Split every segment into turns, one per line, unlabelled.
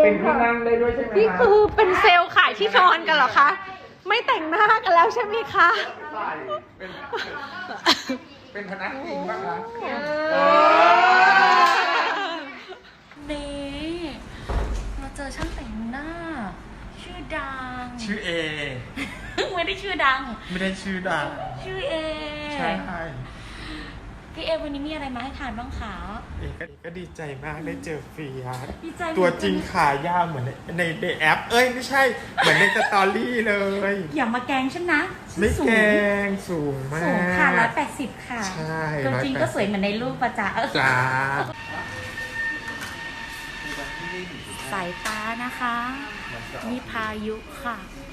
เป็นที่นั่งได้ด้วยใช่ไหม
นี่คือเป็นเซลล์ขายที่นอนกันเหรอคะ ไม่แต่งหน้ากันแล้วใช่ไหมคะ
เป็นพนักพิงบ้างคะ
นี่เราเจอช่างแต่งหน้า ชื่อดัง
ชื่อเอ
ไม่ได้ชื่อดัง
ไม่ได้ชื่อดัง
ชื่อเอ
ใช่
พี่เอวันนี้มีอะไรมาให้ทานบ้างคะ
เอก็ดีใจมากได้เจอเฟียส
ดีใจ
ตัวจริงขายาวเหมือนในแอป เอ้ยไม่ใช่ เหมือนในสตอรี่เลย
อย่ามาแกล้งฉันนะฉัน
ไม่
สู
แก
ง
งสูงมาก
สูงค่ะ180ค่ะ
ใช่
ตัวจริงก็สวยเหมือนในรูปประจ๊ะ
จ้า
สายฟ้านะคะนี่พายุค่ะ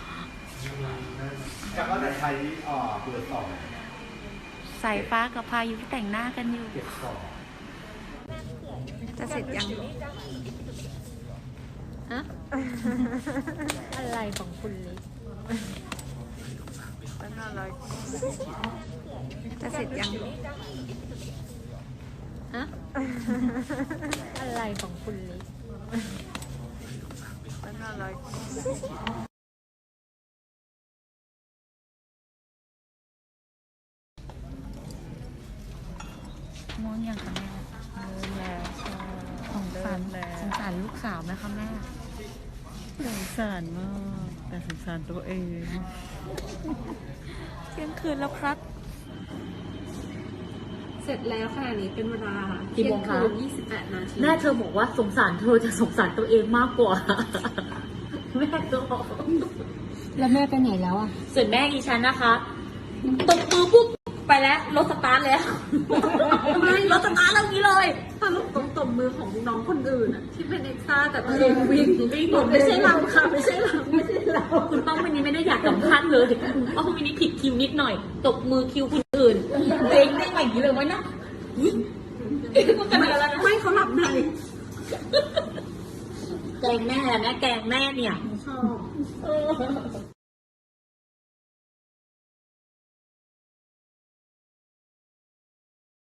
แล้วก็จะใช้เบอร์สอง
สายฟ้ากับพายุแต่งหน้ากันอยู่
เก็บสอง
จะเสร็จยังอะอะไรของคุณลิจะเสร็จยังฮะอะไรของคุณลิ
ม่วงยังคะแม่
แล้ว
สงสารลูกสาวไหมคะแม่
สงสารมากแต่สงสารตัวเอง
เที่ยงคืนแล้วครับ
เสร็จแล้วขณะนี้เป็นเวลา
กี่โมงคะ
28 นาที
แม่เธอบอกว่าสงสารเธอจะสงสารตัวเองมากกว่า แม่ก็บอก
แล้วแม่ไปไหนแล้วอ่ะ
ส่วนแม่อีฉันนะคะตบมือปุ๊บไปแล้วรถสตาร์ทแล้วไม่รถสตาร์ทแล้วนี้เลย
สรุปตรงตบมือของน้องคนอื่นอ่ะที่เป็นเอ็กซ์ต้าแต่ตัวเองวิ่งไม่ใช่เราค่ะไม่ใช่เราไม่ใช่เรา
คุณป้องวันนี้ไม่ได้อยากสัมภาษณ์เลยแต่คุณป้องวันนี้ผิดคิวนิดหน่อย ตบมือคิวคนอื่นเองได้อย่างนี้เลยวะนะมันกันอะไรนะ
ไม่เขาหลับใน
แกงแม่แม่แกงแม่เนี่ย
ชอบ